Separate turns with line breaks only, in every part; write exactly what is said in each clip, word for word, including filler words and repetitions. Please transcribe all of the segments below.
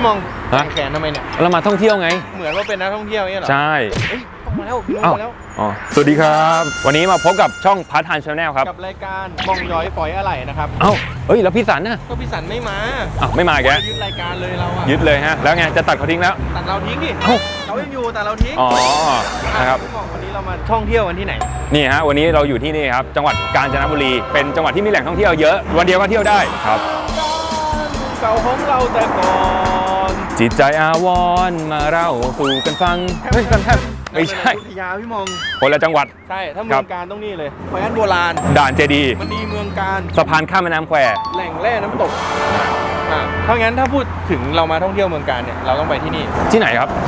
มองแขนทำไมเนี่ย
เรามาท่องเที่ยวไง
เหมือนว่าเป็นนักท่องเที่ยวเนี่ยหรอ
ใช่
ต้องมาแล้วพี่นุ๊กมาแล้ว
อ๋อสวัสดีครับวันนี้มาพบกับช่องพาร์ทไทม์ชาแนลครับ
กับรายการมองย้อยฝอยอะไรนะครับ
เอ้าเฮ้ยแล้วพี่สันน่ะ
ก็พี่สันไม่มา
อ้าวไม่มาแก
ยึดรายการเลยเราอะ
ยึดเลยฮะแล้วไงจะตัดเขาทิ้งแล้ว
ตัดเราทิ้งดิ
เอ้า
เขายังอยู่แต่เราทิ้ง
อ๋อนะครับ
วันนี้เรามาท่องเที่ยวกันที่ไหน
นี่ฮะวันนี้เราอยู่ที่นี่ครับจังหวัดกาญจนบุรีเป็นจังหวัดที่มีแหล่งท่องเที่ยวเยอะวันเดียวก็เที่ยวได้ครับ
เก่าของเราแต่ก่อน
จิตใจอาวรณ์มาเล่าสู่กันฟังเฮ้ยกันแทบไม่ใช่
พยาพี่มอง
คนละจังหวัด
ใช่ถ้าเมืองการต้องนี่เลยแคว้นโบราณ
ด่านเจดี
มันดีเมืองการ
สะพานข้ามแม่น้ำแคว
แหล่งแร่น้ำตกอ่าเพราะงั้นถ้าพูดถึงเรามาท่องเที่ยวเมืองการเนี่ยเราต้องไปที่นี่
ที่ไหนครับ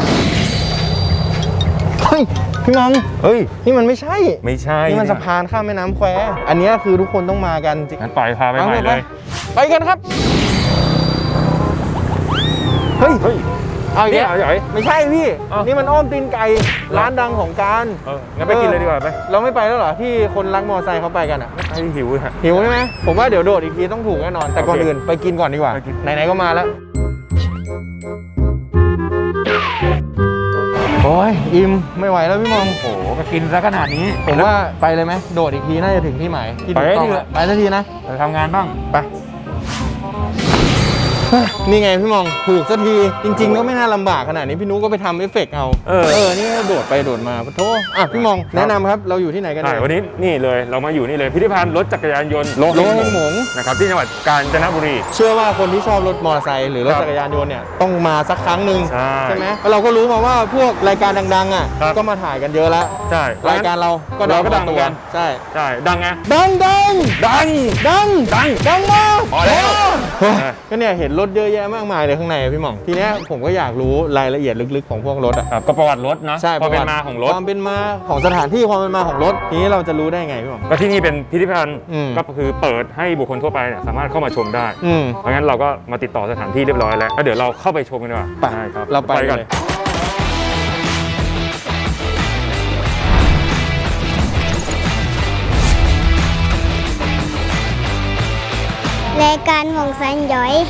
เฮ้ยพี่มองเฮ้ยนี่มันไม่ใช่
ไม่ใช่
นี่มันสะพานข้ามแม่น้ำแควอันนี้คือทุกคนต้องมากันจริง
งั้นไปพาไปใหม่เลย
ไปกันครับเฮ้ยเฮ้ยเอาอย่างนี้ไม่ใช่พี่นี่มันอ้อมตีนไก่ร้านดังของการ
งั้นไปกินเลยดีกว่าไป
เราไม่ไปแล้วเหรอที่คนรักมอเตอร์ไซค์เขาไปกันอ่ะ
ไอ้หิวฮะ
หิวใช่ไหมผมว่าเดี๋ยวโดดอีกทีต้องถูกแน่นอนแต่ก่อนอื่นไปกินก่อนดีกว่าไหนๆก็มาแล้วโอ้ยอิ่มไม่ไหวแล้วพี่มอง
โอ้โหไปกินซะขนาดนี้
ผมว่าไปเลยไหมโดดอีกทีน่าจะถึงที่หมายที่ถูกต้องไปสักทีนะ
ไปทำงานบ้าง
ไปนี่ไงพี่มองถูกสักทีจริงๆก็ไม่น่าลำบากขนาดนี้พี่นุ๊กก็ไปทำเอฟเฟกต์เอาเออเออนี่โดดไปโดดมาปะโถอ่ะพี่มองแนะนำครับเราอยู่ที่ไหนกันเนี่ย
วันนี้นี่เลยเรามาอยู่นี่เลยพิพิธภัณฑ์รถจักรยานยนต์
โลหงหง
นะครับที่จังหวัดกาญจนบุรี
เชื่อว่าคนที่ชอบรถมอเตอร์ไซค์หรือรถจักรยานยนต์เนี่ยต้องมาสักครั้งหนึ่งใช่ไหมเราก็รู้มาว่าพวกรายการดังๆอ่ะก็มาถ่ายกันเยอะแล้ว
ใช่
รายการเราก็
เราก็ดังเหมือนกัน
ใช่
ใช่ดังไง
ดังดัง
ดัง
ดัง
ดัง
ดังมาก
พอแล้ว
ก็เนี่ยเห็นรถเยอะแยะมากมายเลยข้างในพี่หม่องทีนี้ผมก็อยากรู้รายละเอียดลึกๆของพวกรถอ่ะ
ก็ประวัติรถเนาะ
ใช่
ความเป็นมาของรถ
ความเป็นมาของสถานที่ความเป็นมาของรถทีนี้เราจะรู้ได้ไงพี่หม่อง
ก็ที่นี่เป็นพิพิธภัณฑ์ก็คือเปิดให้บุคคลทั่วไปเนี่ยสามารถเข้ามาชมได้เพราะงั้นเราก็มาติดต่อสถานที่เรียบร้อยแล้วแล้วเดี๋ยวเราเข้าไปชมกันดีกว่า
ไปครับเราไปกัน
รายการมองสันย้อย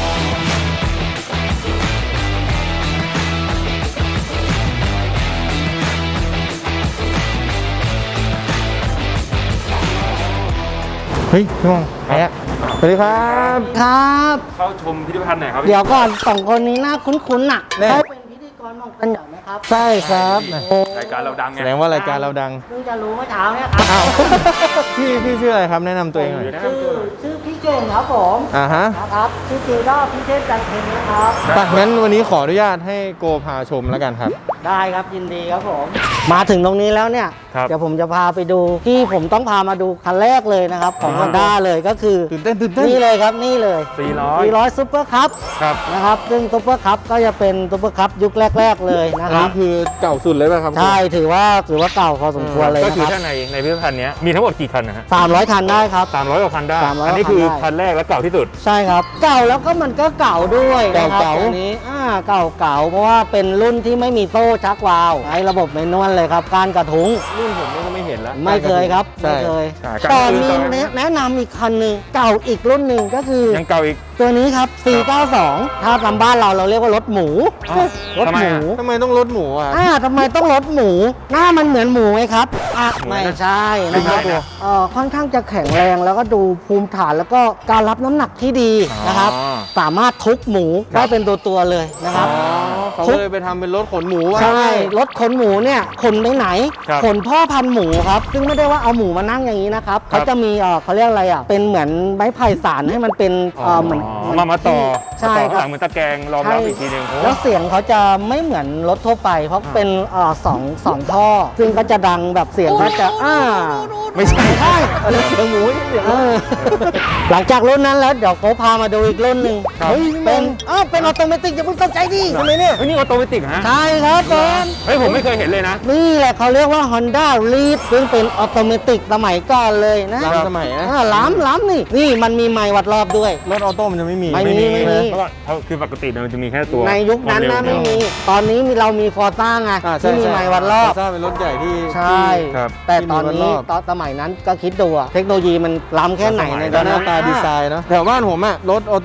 เฮ้ยพี่มองไปอ่ะสวัสดีครับ
ครับ
เข้าชมพิพิธภัณฑ์ไหนครับ
เดี๋ยวก่อนสองคนนี้น่าคุ้นๆน่ะเขาเป็นพิธีกรมองสันย้อยไหมครับ
ใช่ครับ
รายการเราดังไง
แสดงว่ารายการเราดัง
เพิ่งจะรู้เมื่อเช้าเนี่ยครับอ้าว
พี่พี่ชื่ออะไรครับแนะนำตัวเองหน่อย
ชื่อชื่อพี่เก่งครับผม
อ่าฮะ
ครับชื่อจริงก็พี่เทพจันทร์เพ็ญนะครับ
ไปงั้นวันนี้ขออนุญาตให้โกพาชมแล้วกันครับ
ได้ครับยินดีครับผมมาถึงตรงนี้แล้วเนี่ยเดี๋ยวผมจะพาไปดูที่ผมต้องพามาดูคันแรกเลยนะครับของ Honda เลยก็คือ
ตื่นเต้นตื่นเต้น
นี่เลยครับนี่เลย
สี่ร้อย
สี่ร้อยซุปเปอร์คัพนะครับซึ่งซุปเปอร์คัพก็จะเป็นซุปเปอร์คัพยุคแรกๆเลยนะครับ
คือเก่าสุดเลยป่ะครับ
ใช่ถือว่าถือว่าเก่าพอสมควรเลย
ก็
นะค
คือ
รับ
ถ้าในในพิพิธภัณฑ์นี้มีทั้งหมดกี่คันนะฮะ
สามร้อยคันได้ครับ
สามร้อยกว่าคันได้อันนี้คือคันแรกและเก่าที่สุด
ใช่ครับเก่าแล้วก็มันก็เก่าด้วยนะครับตัวนี้อ่าเก่าเก่าเพราะว่าเป็นรุ่นที่ไม่มีโซ่ชักวาล์วใช้ระบบแมนนวลเลยครับการกระทุ้ง
รุ่นผมก็ไม่เห็นแล้ว
ไม่เคยครับไม่เคยตอนนี้แนะนำอีกคันหนึ่งเก่าอีกรุ่นหนึ่งก็คือ
ยังเก่าอีก
ตัวนี้ครับสี่เก้าสองถ้าทำบ้านเราเราเรียกว่ารถหมู
รถหมูทำไมต้องรถหมูอ่ะ
อ่าทำไมต้องรถหมูหน้ามันเหมือนหมูไหมครับอ่ะไม่ใช่นะครับเอ่อค่อนข้างจะแข็งแรงแล้วก็ดูภูมิฐานแล้วก็การรับน้ำหนักที่ดีนะครับสามารถทุบหมูได้เป็นตัวตัวเลยนะครับ
เขาเลยไปทำเป็นรถขนหมู
ใช่รถขนหมูเนี่ยขนไปไหนขนพ่อพันธุ์หมูครับซึ่งไม่ได้ว่าเอาหมูมานั่งอย่างนี้นะครับเขาจะมีเอ่อเขาเรียกอะไรอ่ะเป็นเหมือนไม้ไผ่สารให้มันเป็นเอ่อเหมือน
มามาต่อ
ใช่ครับ
เหมือนตะแกรงรองรับอีกทีนึง
แล้วเสียงเขาจะไม่เหมือนรถทั่วไปเพราะเป็นเอ่อสองสองท่อซึ่งก็จะดังแบบเสียงก็จะอ่า
ไม่ใช่
ใช่
เสียงหมูเสียง
หลังจากรุ่นนั้นแล้วเดี๋ยวเขาพามาดูอีกรุ่นหนึ่งเป็นอ้าวเป็นออโตเมติกอย่าเพิ่งตกใจดิ
ทำไมเนี่ย
นี่ออโตเมติกฮะ
ใช่ครับผม
เฮ้ยผมไม่เคยเห็นเลยนะ
นี่แหละเขาเรียกว่า Honda Leaf ซึ่งเป็นออโตเมติกสมัยก่อนเลยนะ
ล้ำสมัยนะ
ล้ำล้ำนี่นี่มันมีไมค์วัดรอบด้วย
รถออโต้มันจะไม่มี
ไม่มีไม่มี
เพราะว่าคือปกติมันจะมีแค่ตัว
ในยุคนั้นนะไม่มีตอนนี้เรามีฟอร์ซ่าไงที่มีไมค์วัดรอบ
ฟอร์ซ่าเป็นรถใหญ่ที่
ใช่แต่ตอนนี้ตอนสมัยนั้นก็คิดดูอะเทคโนโลยีมันล้ำแค่ไหนใน
หน้าตาดีไซน์เนาะแถวบ้านผมอะรถออโตเมติกอะ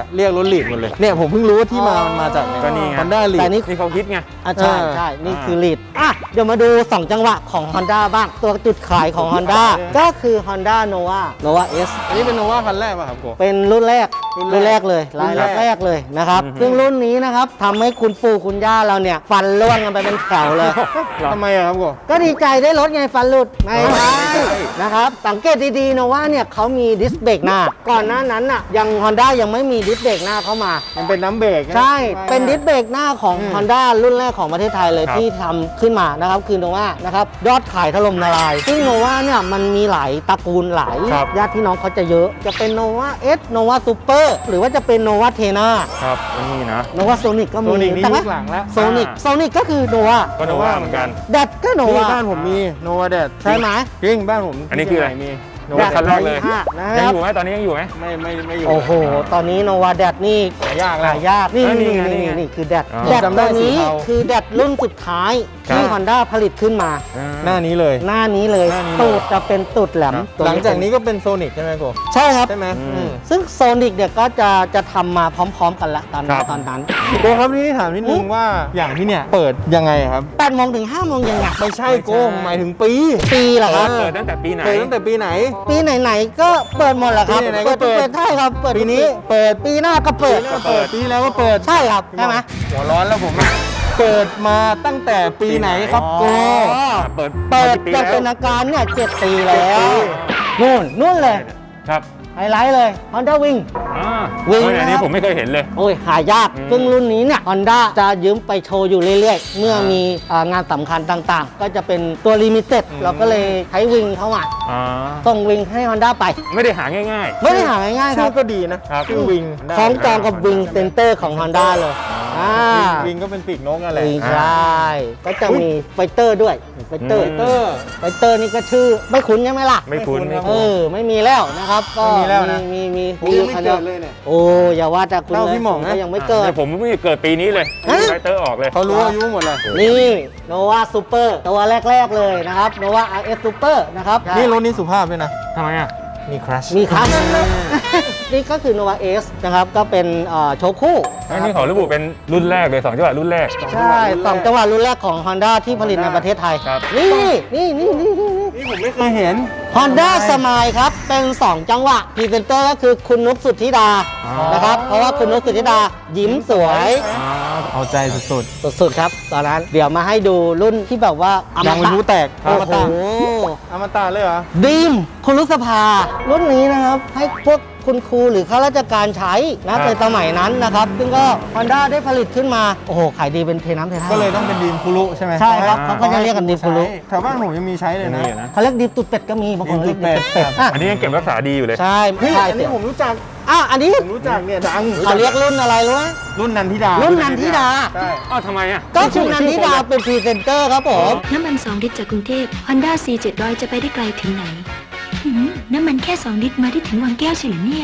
เรียกรถลีดหมดเลยเนี่ยผมเพิ่งรู้ว่าที่มามันมาจากเนี่ย
ก็นี่ไง
ฮอนด้าลีด
แต่นี่
นี่เขาฮิตไง
อ่ะใช่
เออ
ใช่นี่คือลีดอ่ะเดี๋ยวมาดูสองจังหวะของ Honda บ้างตัวจุดขายของ Honda ก็คือ Honda Nova Nova S
อันนี้เป็นโนวาคันแรกป่ะครับโก
เป็นรุ่นแรก
รุ่นแรก
รุ่นแรกเลย
รุ่
ราย
นแรก
แรกเลยนะครับ
อือฮึ
ซึ่งรุ่นนี้นะครับทำให้คุณปู่คุณย่าเราเนี่ยฟันร่วงกันไปเป็นแถวเลย
ทำไมอะครับโก
ก็ดีใจได้รถไงฟันหลุดไม่
อ๋อ
ใช่
ไม่ใช่
นะครับสังเกตดีๆนะว่าเนี่ยเขามีดิสเบรกหน้า ก่อนหน้านั้นน่ะยัง Honda ยังไม่มีดิสเบรกหน้าเข้ามา
มันเป็นน้ำเบรกนะ
ใช่ เป็นดิสเบรกหน้าของ
อืม
Honda รุ่นแรกของประเทศไทยเลย
ครับ
ที่ทำขึ้นมานะครับคือโนวานะครับยอดขายถล่มทลาย ซึ่งโนวาเนี่ยมันมีหลายตระกูลหลาย
ครับ
ญาติพี่น้องเขาจะเยอะ จะเป็นโนวาเอสโนวาซูเปอร์หรือว่าจะเป็นโนวาเทนา
ครับอันนี้นะ
โนวาโซนิกก็
โซ
มี
นิกนี่
แต่
ยุ
ว่า
คหลังแล้ว
โซนิก
อ่า
โซนิกก็คือโนวา
ก็โนว่าเหมือนกัน
แดดก็โน
นี่
วา
บ้านผมมีโนวาแดด
ใช่ไหม
จริงบ้านผม
อันนี้คืออะไร
ที่เชียงใหม่มีโน
แด
วา
ด
แด
คั
ด
นแรกเลย
ห้านะค
ยัง
รับ
อยู่ไหมตอนนี้ยังอยู่ไหม
ไม่ไม่ไม่อยู่
โอ้โห ตอนนี้โนวาแดดนี่
หายากแล้ว
หายากนี่
เออนี่
นี่
ไงนี่
นี่
ไง
นี่คือแดด
อ๋อ
แดด
จำได้
ตัวนี้
สีเทา
คือแดดรุ่นสุดท้ายที่
ครับ
Honda ผลิตขึ้นมา
หน้านี้เลย
หน้านี้เลย
หน้านี้เลย
ตูดจะเป็นตูดแหลม
ครับ
ตัว
หลังจากนี้ก็เป็นโซนิกใช่ไหมโก
ใช่ครับ
ใช่ไหม
อืม
อืม
ซึ่งโซนิกเนี่ยก็จะจะทำมาพร้อม ๆ กันละตอน
ครับ
ตอนนั้น
โกครับนี่ถามนิดนึงว่าอย่างที่เนี่ยเปิดยังไงครับ
แปดโมงถึงห้าโมงเย็นไง
ไม่ใช่โกผมหมายถึงปี
ปีเหรอครับ
เปิดตั้งแต่ปีไหน
เปิดตั้งแต่ปีไหน
ปีไหนๆก็เปิดหมดแหละครับ
ปีไหนๆก็เปิด
ใช่ครับเปิด
ปีนี้
เปิดปีหน้าก็เปิด
ปีแล้วก็เปิดปีแล้วก็เปิด
ใช่ครับใช่ไหม
หัวร้อนแล้วผมอะเปิดมาตั้งแต่ปีไหนครับโก
อ๋อ
เปิด
เปิด
มากี่ปี
จะ
แล้ว
เป็นอาการเนี่ยเจ็ดปีแล้
เจ็ดปี
วนู่นนู่นเลย
ครับ
ไฮไลท์เลย Honda Wing
อ่า
วิ่ง
เฮ้ยอันนี้
นะครับ
ผมไม่เคยเห็นเลย
โอ้ยหายาก
อืม
ซึ่งรุ่นนี้เนี่ย Honda จะยืมไปโชว์อยู่เรื่อยๆ เมื่อ
อ่ามี
มีอ่างานสำคัญต่างๆ ก็จะเป็นตัวลิมิเต็ด
อืม
เราก็เลยใช้วิงเข้ามา
อ่า
ส่งวิงให้ Honda ไป
ไม่ได้หาง่าย
ไม่ได้หาง่ายๆค
ชื่
รั
อบ ก็ดีนะครับ ชื่อวิง
คล้องจองกับวิงเซนเตอร์ของ Honda เลยอ่า
วิงก็เป็นปีกนกอะไร
วิงใช่ก็จะมีไฟเตอร์ด้วยไฟเตอร์
อืม
เตอร์
ไฟเตอร์นี่ก็ชื่อไม่คุ้นใช่ไหมล่ะ
ๆ ไม่คุ้น
ไม่
ไม่
คุ้
เอ
คุ้น
อไม่มีแล้วนะครับ ก็
ไม่มีแล้วนะ
มีมี
ผม
มี
ยังไม่
คัน
เกิ
เดียว
ดเลยเนี่ย
โอ้อย่าว่าแต่คุณ
เท่า
เลย
พี่หม่องนะ
ก็ยังไม่เกิด
ดี๋ยวผมไม่เกิดปีนี้เลย
ฮะ
ไฟเตอร์ออกเลย
เขารู้อายุหมดเลย
นี่โนวาซูเปอร์ตัวแรก ๆ เลยนะครับโนวา อาร์ เอส Super นะครับ
นี่รถนี้สุภาพด้วยนะ
ทำไมอ่ะ
มีครัช
มีครับ นี่ก็คือ Nova S นะครับ ก็เป็นเอ่อโชว์คู่
อันนี้ขอระบุเป็นรุ่นแรกเลยสองจังหวะรุ่นแรก
ใช่สองจังหวะรุ่นแรกของ Honda ที่ผลิตในประเทศไทย
ครับ
นี่นี่นี่นี่นี่นี่
นี่ผมไม่เคยเห็น
Honda Smile ครับ เป็น 2 จังหวะพรีเซนเตอร์ก็คือคุณนุกสุทธิดา
อ๋อ
นะครับ เพราะว่าคุณนุกสุทธิดายิ้มสวย
อ่า
เอาใจสุด
สุดๆครับ ตอนนั้นเดี๋ยวมาให้ดูรุ่นที่แบบว่าอ
ๆ ดัง
ม
เป็น
ตะ
ผู้แตก
โอ้
อมตะ
โห
อมตะเลยเหรอ
ดีมคุณรุษภา รุ่นนี้นะครับ ให้พวกคุณครูหรือข้าราชการใช้นะในสมัยนั้นนะครับ ซึ่งก็ Honda ได้ผลิตขึ้นมา โอ้โห ขายดีเป็นเทน้ำเทท่า
ก็เลยต้องเป็นดีมคุรุใช่ไหม
ใช่ครับเขาก็จะเรียกกันดีมคุรุ
แถวบ้านผมยังมีใช้เลยนะ
นี่นะ
เขาเรียกดีมตุดเป็ดก็มีบางคนเรียก
ดี
ดี
ม
ม
ตุ
ตุ
ด
ด
เป็
เป็
ด
ดอ่ะ
อันนี้ยังเก็บรักษาดีอยู่เลย
ใช่
เฮ้ย
ใช่
อันนี้ผมรู้จัก
อ่ะอันนี้
ผมรู้จักเนี่ยดัง
เขาเรียกรุ่นอะไรรู้ไหม
รุ่นนันทิดา
รุ่นนันทิดา
ใช่
อ้าวทำไมอ่ะ
ก็คือนันทิดาเป็นพรีเซนเตอร์ครับผม
น้ำมันสองลิตรจากกรุงเทพ Honda ซี เจ็ดร้อย จะไปได้ไกลถึงไหนหืมน้ำมันแค่สองลิตรมาได้ถึงวังแก้วเฉยเหรอเนี่ย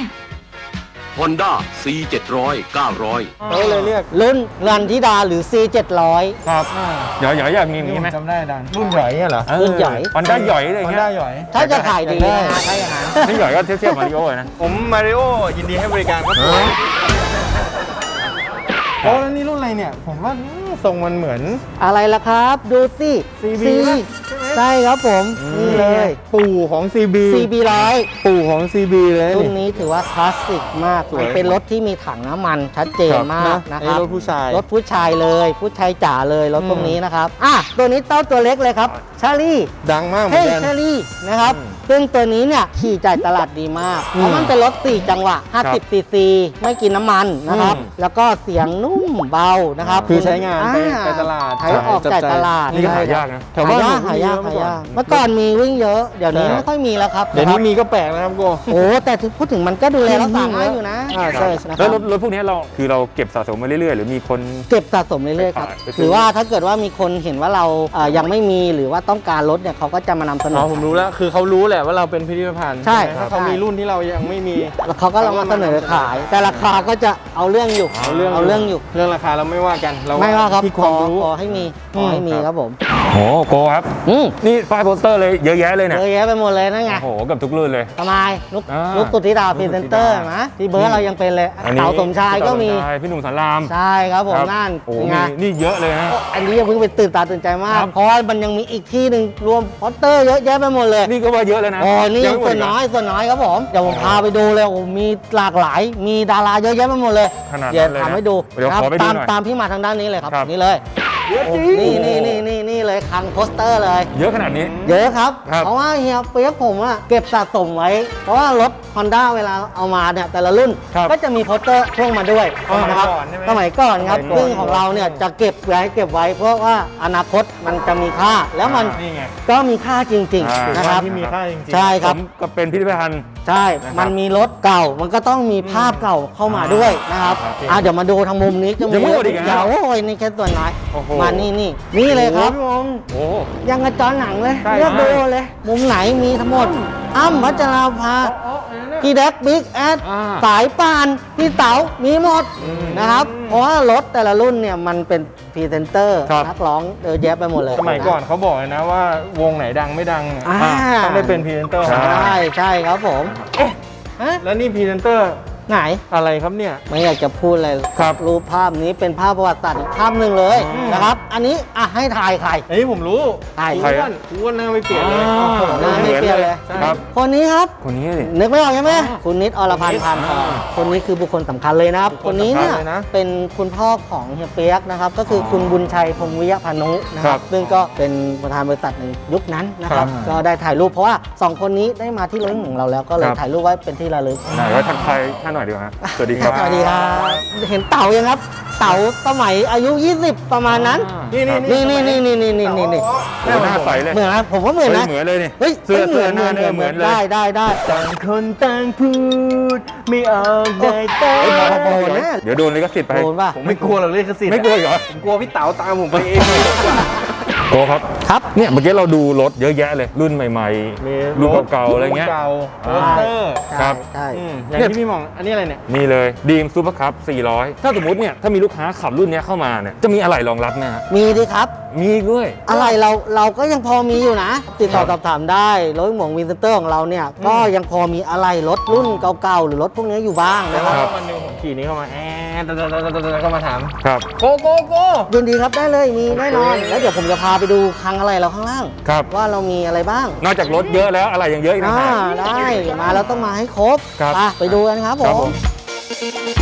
Honda ซี เจ็ดร้อย เก้าร้อย
เขาเลยเรียก
รุ่นนันทิดาหรือ ซี เจ็ดร้อย
ครับหยอยหยอยอยากมีอย่างนี้ไหม
จำได้ดังรุ่นใหญ่เนี่ยเหรอ
รุ่นใหญ่
ฮอนด้าหยอยอะไร
ฮอน
เงี้
ด้าย หย่อย
ถ้าจะขายดี
ได้
นะถ้าอย่างนั้น
นี่หยอยก็เทียบเทียบมาริโอ้เลยนะ
ผมมาริโอยินดีให้บริการครับผมโอ้แล้วนี่รุ่นอะไรเนี่ย ผมว่าอืมทรงมันเหมือน
อะไรล่ะครับ ดูสิ
ซี บี ป่ะใช่ไหม
ใช่ครับผม นี่เลย
ปู่ของ ซี บี
ซี บี ร้อย
ปู่ของ ซี บี เลย
รุ่น
นี่
นี้ถือว่าคลาสสิกมาก
สวย
มันเป็นรถที่มีถังน้ำมันชัดเจนมากนะ
ไอ้
ครับ
รถผู้ชาย
รถผู้ชายเลย ผู้ชายจ๋าเลย รถ
อืม
พวกนี้นะครับ อ่ะ ตัวนี้เต้าตัวเล็กเลยครับ ชาลี่
ดังมากเหมือ
เฮ้
น
ย
กัน
ชาลี่ นะครับ ซึ่งตัวนี้เนี่ยขี่จ่ายตลาดดีมาก
อืม
เพราะมันเป็นรถ สี่ จังหวะ ห้าสิบ ซีซี ไม่กินน้ำมันนะครับ
อืม
แล้วก็เสียงนุ่มเบานะครับ
คือใช้งานไป
อ่
ไปตลาด
ใช้ออกจ่ายตลาด
นี่ก็หายากนะ
แถวบ้าน
หายาก
ผม
หา
มีเยอะ
ยากหายากเมื่อก่อนมีวิ่งเยอะ เดี๋ยวนี้
ใช่
ไม่ค่อยมีแล้วครับ
เดี๋ยวนี้
ะครับ
มีก็แปลกนะครับโก
โอ้แต่ถึงพูดถึงมันก็ดูแลรักษาง่ายอยู่นะ
อ่าใช่
นะค
แล้
รั
ว
บ
รถรถพวกนี้เราคือเราเก็บสะสมมาเรื่อยๆ หรือมีคน
เก็บสะสมเรื่อยๆครับ
ไปขายไปซื้อ
หรือว่าถ้าเกิดว่ามีคนเห็นว่าเราเอ่อยังไม่มีหรือว่าต้องการรถเนี่ยเขาก็จะมานำเสน
อ๋อ
อ
ผมรู้แล้ว คือเขารู้แหละละว่าเราเป็นพิพิธภัณฑ์
ใช่
ไหมถ้าเขามีรุ่นที่เรายังไม่มี
แล้วเขาก็ลองมาเสนอขาย แต่ราคาก็จะเอาเรื่องอยู่
เอาเรื่อง
เอาเรื่องอยู่
เรื่องราคาเราไม่ว่ากันเรา
ไม่ว่าครับ
ที่ค
ข
วา
อ
มรู้
ขอให้มีขอให้มี
อืม
ครับผม
โหโกครับ
อืม
นี่ป้ายโปสเตอร์เลยเยอะแยะเลยเนี่ย
เยอะแยะไปหมดเลยนั่นไง
โอ้โหเกับทุกรุ่นเลย
ทำไมนุก
อ่า
นุกสุธิดาพรีเซนเตอร์
นุกสุธิดา
นะที่เบิร์ดเรายังเป็นเลย
อันนี้
เต๋าสมชายก็มี
พี่เต๋าสชายพี่หนุ่มสาราม
ใช่ครับผมนั่น
โอ้โห
เป็นไง
มีนี่เยอะเลยนะ
อันนี้ยังเพิ่งไปตื่นตาตื่นใจมาก
ครับ
เพราะว่ามันยังมีอีกที่หนึ่งรวมโปสเตอร์เยอะแยะไปหมดเลย
นี่ก็ว่าเยอะเลยนะ
โอ้นี่
ยังไม่หม
ส่
ด
วน
อีกเหร
น้อยส่วนน้อยครับผมเดี๋ยวผมพาไปดูเลยโอ้มีหลากหลาย มีดาราเยอะแยะไปหมดเลย
ขนาดนั้น
เดี๋ยว
เลยนะ
ทำให้ดู
เดี๋ยว
ครับ
ขอไปดู
ตาม
หน่อย
ตามพี่มาทางด้านนี้เลยครับ
ครับ
นี่เลย
เยอะจริง
นี่นี่นี่นี่นี่เลยคลังโปสเตอร์เลย
เยอะขนาดนี้
เยอะครับ
ครับ
เพราะว่าเฮียเปียกผมอะเก็บสะสมไว้ เพราะว่ารถ Honda เวลาเอามาเนี่ยแต่ละรุ่น
ครับ
ก็จะมีโปสเตอร์พ่วงมาด้วย
อ๋อ
นะครับ
ก่อนใช่ไหม
สมัยก่อนครับ
สมัยก่อน
ซึ่งของเราเนี่ยจะเก็บไว้เก็บไว้ เพราะว่าอนาคตมันจะมีค่า แล้วมัน
นี่ไง
ก็มีค่าจริง
อ่า
ๆนะครับ
ที่มีค่าจริงๆ
ใช่ครับ
ผมก็เป็นพิพิธภัณฑ์
ใช่
นะครับ
มันมีรถเก่า มันก็ต้องมีภาพเก่าเข้ามาด้วยนะครับ
ครับ
อ่ะเดี๋ยวมาดูทางมุมนี้จะมี
ยังไม่หมดอีกเหรอ
เดี๋ยวโอ้ยนี่แค่ส่วนน้อย
โอ้โห
มานี่นี่นี่เลยครับ
โอ้โห
โอ้
ยังกระจอหนังเลย
ใช่
เลือกดูเลย มุมไหนมีทั้งหมด อ้ำพัชราภาพี่แดกบิ๊กแอด
อ่า
สายป่าน พี่เต๋ามีหมดนะครับ เพราะว่ารถแต่ละรุ่นเนี่ยมันเป็นพรีเซนเตอร์
ครับ
นักร้องเยอะแยะไปหมดเลย
สมัยก่อนเขาบอกเลยนะว่าวงไหนดังไม่ดังเนี่ย
อ่า
ต้องได้เป็นพรีเซนเตอร์
ใช่
ใช่ใช่ครับผมฮะ
แล้วนี่พรีเซนเตอร์
ไหน
อะไรครับเนี่ย
ไม่อยากจะพูดเลย
ครับ
รูปภาพนี้เป็นภาพประวัติศาสตร์อีกภาพหนึ่งเลย
อืม
นะครับ อันนี้อ่ะให้ถ่ายใคร
อันนี้ผมรู้
ใช่
อ้วนอ้วนหน้าไม่เปลี่ยนเลย
อ่า
โอ้โห
หน้าไม่เปลี่ยนเลย
ใช่
ครับ
คนนี้ครับ
คนนี้ดิ
นึกไม่ออกใช่ไหมคุณนิดอรพันธ์พันธ์ทองคนนี้คือบุคคลสำคัญเลยนะครับ
บุค
ค
คล
นนี้เนี่ย
สำคัญเลยนะ
เป็นคุณพ่อของเฮียเปียกนะครับ ก็คือคุณบุญชัยพงวิยพานุนะค
ครั
รับบ ซึ่งก็เป็นประธานบริษัทในยุคนั้นนะครับ
ครับ
ก็ได้ถ่ายรูปเพราะว่าสองคนนี้ได้มาที่รถของเราแล้วก็เลย
ครับ
ถ่ายรูปไว้เป็นที่ระลึก
ไหนว่าทักทายท่านหน่อยดีกว่าฮะสวัสดีครับ
สวัสดีครับเห็นเต่ายังครับ เต่าสมัยอายุ ยี่สิบ ประมาณนั้น
นี่นี่
นี่นี่นี่นี่นี่นี่นี่นี่
โอ้โหหน้าใสเลย
เหมือนนะผมว่าเหมือนนะ
เหมือนเลยนี่
เฮ้ย
เสื้อ
เหมือน
เสื้อหน้าเนี่ยเหมือนเลย
ได้ได้ได้
ต่างคนต่างพูดไม่ออกได้แต่
เฮ้ยพอๆนะ
เดี๋ยวโดนลิขสิทธิ์ไป
โดนป่ะ
ผมไม่กลัวหรอกเลขสิทธิ์
ไม่กลัวอีกเหรอ
ผมกลัวพี่เต๋าตามผมไปเอง
โกครับ
ครับ
เนี่ยเมื่อกี้เราดูรถเยอะแยะเลย รุ่นใหม่
มี
รุ่นเก่าๆอะไรเงี้ย
นเก่าโป
อ่า
สเตอร์
ครับ
ใช่
อืมอย่างที่พี่มอง อันนี้อะไรเนี่ย
ๆ นี่เลยดีมซูเปอร์คัพสี่ร้อยถ้าสมมติเนี่ยถ้ามีลูกค้าขับรุ่นเนี้ยเข้ามาเนี่ยจะมีอะไรรองรับไหมฮะ
มีดิครับ
มีด้วย
อะไรเราเราก็ยังพอมีอยู่นะ ติดต่อสอบถามได้รถหมวงวินเตอร์ของเราเนี่ยก็ยังพอมีอะไรรถรุ่นเก่าๆหรือรถพวกนี้อยู่บ้าง
แล้
นะ
ว
ครับ
วันหนึงผมขี่นี้เข้ามาแอดเข้ามาถาม
ครับ
โกโกโก
ยินดีครับได้เลยมีแน่นอน แล้วเดี๋ยวผมจะพาไปดูคลังอะไรเราข้างล่าง
ครับ
ว่าเรามีอะไรบ้าง
นอกจากรถเยอะแล้วอะไรยังเยอะอีกนะ
อ่า
ฮะ
ได้มาแล้วต้องมาให้ครบ
ครับ
อ่ะไปดูกันครับผ
ครับผม ม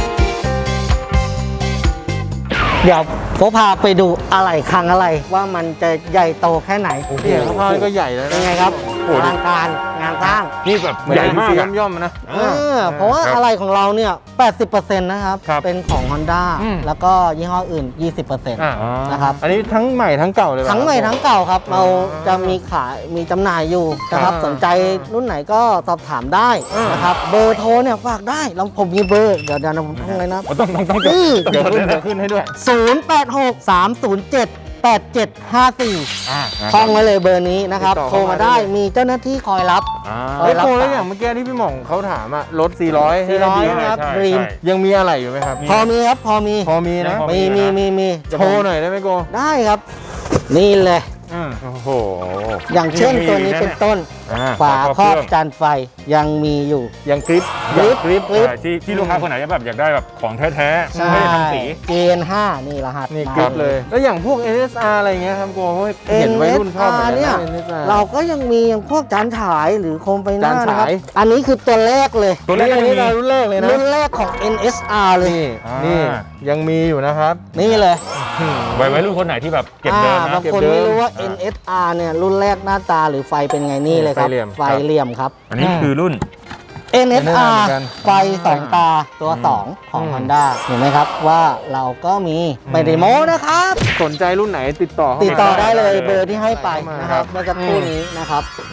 เดี๋ยวโฟพาไปดูอะไรคลังอะไรว่ามันจะใหญ่โตแค่ไหน
นี่สภาพก็ใหญ่แล้ว
เป็น
นะ
ไงครับ
โอ้โห
อลังการงานสร้าง
นี่แบบ
เหมือน
ใหญ่มาก
ซี
อะ
ย่อมๆนะ
เออเพราะว่า
ครับ
อะไรของเราเนี่ย แปดสิบเปอร์เซ็นต์ นะครับ
ครับ
เป็นของ Honda
อืม
แล้วก็ยี่ห้ออื่น ยี่สิบเปอร์เซ็นต์
อ่า
นะครับ
อันนี้ทั้งใหม่ทั้งเก่าเลยป่ะ
ทั้งใหม่ทั้งเก่าครับ เราจะมีขายมีจำหน่ายอยู่นะครับ
ครับ
สนใจรุ่นไหนก็สอบถามได้
อ่าน
นะครับ เบอร์โทรเนี่ยฝากได้เราผมมีเบอร์ เดี๋ยวเดี๋ยวผมท่องเลยนะ
ต้องต้องต้องจด
อืม
ต้อง
เดี๋ยว
จด
ขึ้น
เลย
เดี๋ยวขึ้นให้ด้วย
ศูนย์ แปด หก สาม ศูนย์ เจ็ด แปด เจ็ด ห้า สี่
อ่า
ท่องไว้เลยเบอร์นี้นะครับ
ติดต่อ
โทรมา
เข้ามาได้
ได้
เลย
มีเจ้าหน้าที่คอยรับ
อ่า
เฮ้
เฮ้ย
รับ
โกแล้ว
สาย
อย่างเมื่อกี้ที่พี่หม่องเขาถามอะรถ สี่ร้อย
สี่ร้อย
ดี
นะครับ
ใช่
ดรีม
ใช่
ยังมีอะไรอยู่ไหมครับ
พอมีครับพอมี
พอมีนะ
พอ
มีมีมีมี
โชว์หน่อยได้ไหมโก
ได้ครับ นี่เลย
อืม
โอ้โห
อย่างเช่นตัวนี้เป็นต้น
อ่า
ฝาครอบ
เคง
จานไฟยังมีอยู่
ยังกริป
กริป
กริป
กริป
ใช่ที่ที่ลูกค้าคนไหนแบบอยากได้แบบของแท้ๆ
ใช่
ไม่ได้ทำสี
เกณฑ์ห้านี่รหัส
นี่
มาก
ริปเลย แล้วอย่างพวก เอ็น เอส อาร์ อะไรเงี้ยครับโกเห็นวัยรุ่นชอบเหมือนกัน
เนี่ย
นะ เอ็น เอส อาร์
เราก็ยังมีอย่างพวกจานฉายหรือโคมไฟหน้า
จาน
นะค
ฉา
รับ
ย
อันนี้คือตัวแรกเลย
ตัวแรก
อัน
ยัง
นี้
มี
เรารุ่นแรกเลยนะ
รุ่นแรกของ เอ็น เอส อาร์ เลย
นี่
อ่านี่
นี่ยังมีอยู่นะครับ
นี่เลย
ไว้ไว้รุ่นคนไหนที่แบบเก็บเดิม
อ่า
นะ
บางคน
เก็บเดิม
ไม่รู้ว่า
อ่า
เอ็น เอส อาร์ เนี่ยรุ่นแรกหน้าตาหรือไฟเป็นไงนี่เลยครับ
ไฟเหลี่ยม
ไฟเหลี่ยมครับ
อันนี้คือรุ่น
เอ็น เอส อาร์
เหมือนกัน
ไฟสองตาตัวสองของ Honda เห็นไหมครับว่าเราก็มีไม่ได้โม้นะครับ
สนใจรุ่นไหนติดต่อเข้ามา
ติดต่อได้เลย
ได้เลย
เบอร์ที่ให้ไป
เข้ามา
นะครับเมื่อสักครู่นี้นะครับ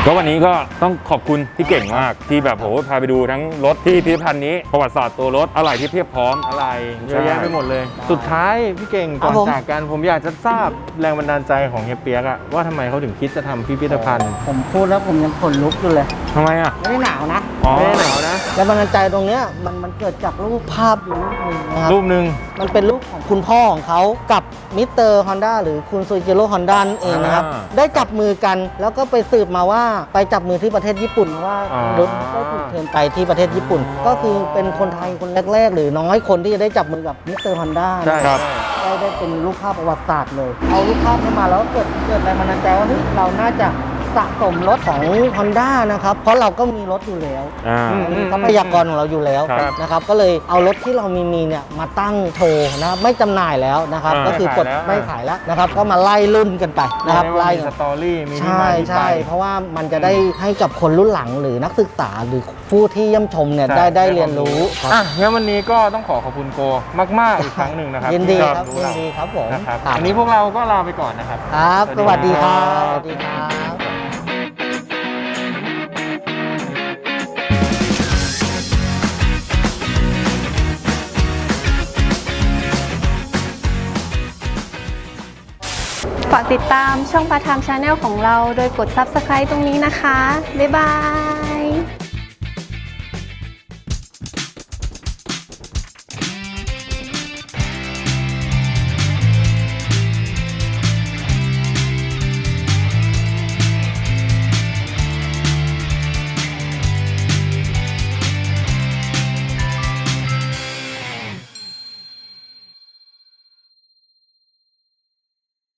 ก็วันนี้ก็ต้องขอบคุณพี่เก่งมากที่แบบโหพาไปดูทั้งรถที่พิพิธภัณฑ์นี้ประวัติศาสตร์ตัวรถอะไรที่เพียบพร้อม
อะไรเยอะแยะไปหมดเลย สุดท้ายพี่เก่ง
ครั
ก่
บ
อน
ผม
จากกันผมอยากจะทราบแรงบันดาลใจของเฮียเปียกอะว่าทำไมเขาถึงคิดจะทำพิพิธภัณฑ์
ผมพูดแล้วผมยังขนลุกอยู่เลย
ทำไมอ่ะ
ไม่ได้หนาวนะ
อ๋อ
ไม่ได้หนาวนะ
แล้วบันดาลใจตรงเนี้ยมันมันเกิดจากรูปภาพอยู่รูปหนึงนะครับ
รูปหนึ่ง
มันเป็นรูปของคุณพ่อของเขากับมิสเตอร์ฮอนด้าหรือคุณซูจิโร่ฮอนด้าเองนะครับ
อ่า
ได้จับมือกันแล้วก็ไปสืบมาว่าไปจับมือที่ประเทศญี่ปุ่นว่า
อ๋อ
รถได้ถูกเชิญไปที่ประเทศญี่ปุ่น ก็คือเป็นคนไทยคนแรก ๆ หรือน้อยคนที่จะได้จับมือกับมิสเตอร์ฮอนด้า
ใช่ครับ
ได้ได้เป็นรูปภาพประวัติศาสตร์เลย เอารูปภาพนี้มาแล้วเกิดเกิดแรงบันดาลใจว่าเฮ้ยเราน่าจะสะสมรถของ Honda นะครับเพราะเราก็มีรถอยู่แล้ว
อ่า
อืม
มีทรัพยากรของเราอยู่แล้ว
ครับ
นะครับก็เลยเอารถที่เรามีมีเนี่ยมาตั้งโชว์นะครับไม่จำหน่ายแล้วนะครับ
อ่า
ก็คือปลด
ไม่
ไม่
ขา
ขาย ย
แล้
แล้ว วนะครับก็มาไล่รุ่นกันไปนะครับ
ไล่
ไล่
มีสตอรี่มีที่
ใช่
มาที่ไป
ใช่เพราะว่ามันจะได้ให้กับคนรุ่นหลังหรือนักศึกษาหรือผู้ที่เยี่ยมชมเนี่ย
ใช่
ได้ได้
ได้
เรียนรู้ครับ
อ่ะงั้นวันนี้ก็ต้องขอขอบคุณโกมากๆอีกครั้งหนึ่งนะครับ
ยินดี
ที่
ครับ
รู้
ยิน
เรา
ดีครับผม
นะครับ
ครับ
วันนี้พวกเราก็ลาไปก่อนนะครับ
ครับ
ส
ส
วั
วั
ส
ส
ดี
ดี
ค
ค
รั
รับ บสวัสดีครับ
ฝากติดตามช่องพาร์ทไทม์ชาแนลของเราโดยกด ซับสไครบ์ ตรงนี้นะคะ บ๊ายบาย